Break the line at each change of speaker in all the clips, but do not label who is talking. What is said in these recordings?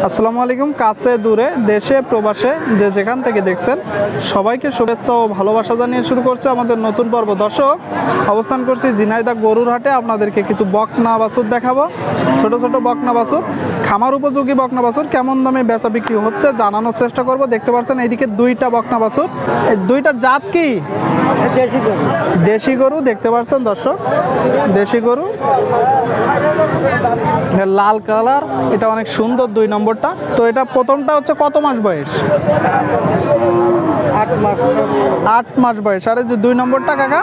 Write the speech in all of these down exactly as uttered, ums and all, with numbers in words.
আসসালামু আলাইকুম। কাছে দূরে দেশে প্রবাসে যে যেখান থেকে দেখছেন সবাইকে শুভেচ্ছা ও ভালোবাসা জানিয়ে শুরু করছে আমাদের নতুন পর্ব। দর্শক, অবস্থান করছি ঝিনাইদহ গরুর হাটে। আপনাদেরকে কিছু বকনা বাছুর দেখাবো, ছোট ছোট বকনা বাছুর, খামার উপযোগী বকনা বাছুর কেমন দামে বেচা বিক্রি হচ্ছে জানানোর চেষ্টা করব। দেখতে পাচ্ছেন এইদিকে দুইটা বকনা বাছুর, এই দুইটা জাত কি?
দেশি গরু।
দেশি গরু দেখতে পাচ্ছেন দর্শক, দেশি গরু, লাল কালার, এটা অনেক সুন্দর। দুই নম্বরটা তো এটা প্রথমটা হচ্ছে কত মাস বয়স?
আট মাস
আট মাস বয়স। আর এই যে দুই নম্বরটা কাকা?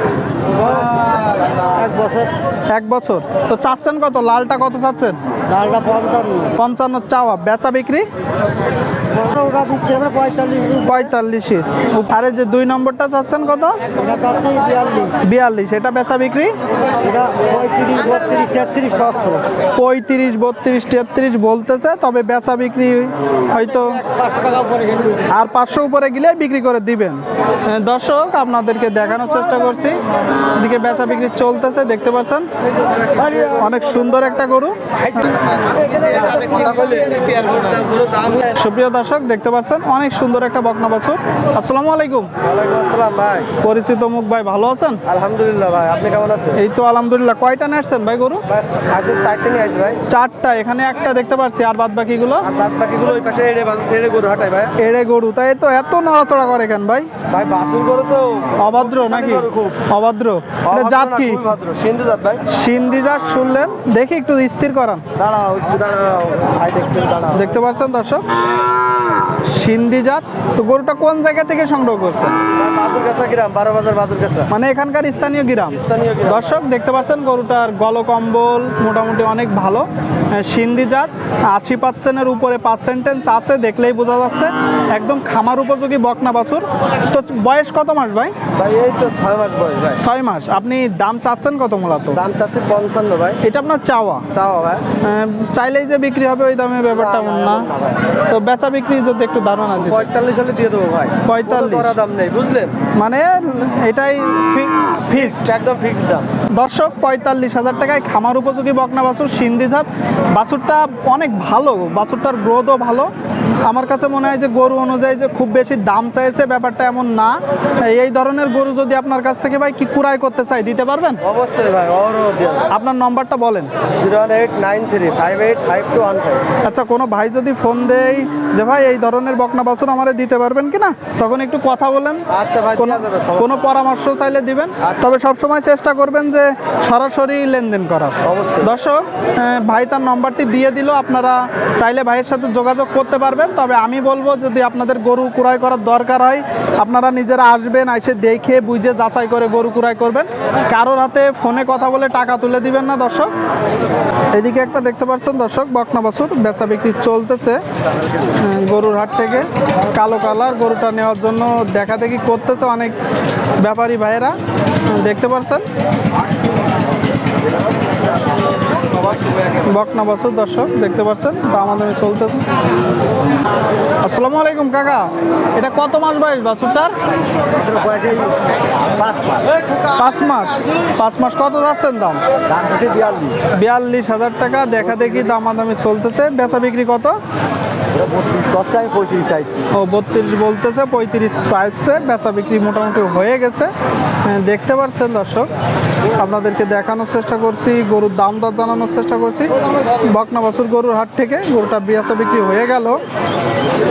এক বছর।
এক বছর। তো চাচ্ছেন কত? লালটা কত চাচ্ছেন?
ডালটা পঞ্চান্ন।
পঞ্চান্ন চাওয়া। বেচা বিক্রি
ওটা দিচ্ছি আমরা পঁয়তাল্লিশ।
পঁয়তাল্লিশে। আর এই যে দুই নম্বরটা চাচ্ছেন কত?
এটা চাচ্ছি বিয়াল্লিশ।
বিয়াল্লিশ। এটা বেচা বিক্রি
এটা পঁয়ত্রিশ বত্রিশ তেত্রিশ পাঁচশো।
পঁয়ত্রিশ বত্রিশ তেত্রিশ বলতেছে, তবে বেচা বিক্রি হয়তো
পাঁচশো টাকা উপরে গেলে
আর পাঁচশো উপরে গেলে বিক্রি করে দিবেন। দর্শক, আপনাদেরকে দেখানোর চেষ্টা করছি, এদিকে বেচা বিক্রি চলতেছে, দেখতে পাচ্ছেন অনেক সুন্দর একটা গরু। সুপ্রিয় দর্শক, দেখতে পাচ্ছেন অনেক সুন্দর একটা বকনা বাছুর। আসসালামু আলাইকুম।
আসসালাম ভাই।
পরিচিত মুখ ভাই, ভালো আছেন?
আলহামদুলিল্লাহ ভাই, আপনি কেমন আছেন?
এই তো আলহামদুলিল্লাহ। কয়টা নাড়ছেন ভাই গরু?
আজকে চারটে নিয়ে আসি ভাই।
চারটা। এখানে একটা দেখতে পাচ্ছি, আর বাদ বাকিগুলো?
আর বাদ বাকিগুলো ওই পাশে এড়ে এড়ে গরু হাঁটাই ভাই।
এড়ে গরু, তাই তো এত নড়াচড়া করে কেন ভাই?
ভাই বাসুর গরু তো
অভদ্র নাকি?
গরু খুব।
অভদ্র। এটা জাত কি?
ভদ্র সিন্ধু জাত ভাই।
সিন্ধি জাত শুনলেন, দেখি একটু স্থির করান।
দাঁড়াও একটু দাঁড়াও ভাই, দেখতে দাঁড়াও।
দেখতে পাচ্ছেন দর্শক, সিন্ধি জাত। তো গরুটা কোন জায়গা থেকে সংগ্রহ করছেন?
বাদুরগাছা গ্রাম, বারো বাজার বাদুরগাছা,
মানে এখানকার স্থানীয় গ্রাম।
স্থানীয় গ্রাম।
দর্শক, দেখতে পাচ্ছেন গরুটার গলকম্বল মোটামুটি অনেক ভালো। সিন্ধি জাত, আশি পার্সেন্টের উপরে পার্সেন্টেজ আছে, দেখলেই বোঝা যাচ্ছে একদম খামার উপযোগী বকনা বাছুর। তো বয়স কত মাস ভাই?
ভাই এই তো ছয় মাস বয়স ভাই।
ছয় মাস। আপনি দাম চাচ্ছেন কত মূলত?
দাম চাচ্ছি পঞ্চান্ন ভাই।
এটা আপনার চাওয়া?
চাওয়া ভাই।
আহ, চাইলেই যে বিক্রি হবে ওই দামে ব্যাপারটা এমন না। তো বেচা বিক্রি যদি একটু ধারণা দিতে।
পঁয়তাল্লিশ হলে দিয়ে দেবো ভাই।
পঁয়তাল্লিশ?
কোনো দাম নেই বুঝলেন,
মানে এটাই ফিক্সড,
একদম ফিক্সড দাম।
দর্শক। পঁয়তাল্লিশ হাজার টাকায় খামার উপযোগী বকনা বাছুর, সিন্ধি জাত। বাছুরটা অনেক ভালো, বাছুরটার গ্রোথও ভালো। আমার কাছে মনে হয় যে গরু অনুযায়ী যে খুব বেশি দাম চাইছে ব্যাপারটা এমন না। এই ধরনের গরু যদি আপনার কাছ থেকে ভাই কি কুড়াই করতে চাই, দিতে পারবেন?
অবশ্যই ভাই।
আপনার নম্বরটা বলেন।
Zero one eight nine three five eight five two one five.
আচ্ছা, কোনো ভাই যদি ফোন দেয় যে ভাই এই ধরনের বকনা বাছুর আমারে দিতে পারবেন কিনা, তখন একটু কথা বলেন।
আচ্ছা ভাই,
কোনো কোনো পরামর্শ চাইলে দিবেন, তবে সবসময় চেষ্টা করবেন যে সরাসরি লেনদেন করার।
অবশ্যই।
দর্শক, ভাই তার নম্বরটি দিয়ে দিল, আপনারা চাইলে ভাইয়ের সাথে যোগাযোগ করতে পারবেন। তবে আমি বলবো যদি আপনাদের গরু কুড়াই করার দরকার হয়, আপনারা নিজেরা আসবেন, এসে দেখে বুঝে যাচাই করে গরু কুড়াই করবেন। কারোর হাতে ফোনে কথা বলে টাকা তুলে দিবেন না দর্শক। এদিকে একটা দেখতে পাচ্ছেন দর্শক বকনা বাছুর, বেচা বিক্রি চলতেছে গরুর হাট থেকে। কালো কালার গরুটা নেওয়ার জন্য দেখা দেখি করতেছে অনেক ব্যাপারী ভাইয়েরা, দেখতে পাচ্ছেন বকনা বাছুর। দর্শক, দেখতে পাচ্ছেন দামাদামি চলতেছে। আসসালামু আলাইকুম কাকা, এটা কত মাস বয়স বাছুরটার? পাঁচ মাস। পাঁচ মাস। কত যাচ্ছেন দাম?
বিয়াল্লিশ।
বিয়াল্লিশ হাজার টাকা দেখা দেখি দামাদামি চলতেছে। বেচা বিক্রি কত?
আমি পঁয়ত্রিশ চাইছি।
ও বত্রিশ বলতেছে, পঁয়ত্রিশ চাইছে। বেচা বিক্রি মোটামুটি হয়ে গেছে, দেখতে পাচ্ছেন দর্শক। আপনাদেরকে দেখানোর চেষ্টা করছি, গরুর দাম দর জানানোর চেষ্টা করছি। বকনা বাছুর গরুর হাট থেকে গরুটা বেচা বিক্রি হয়ে গেল।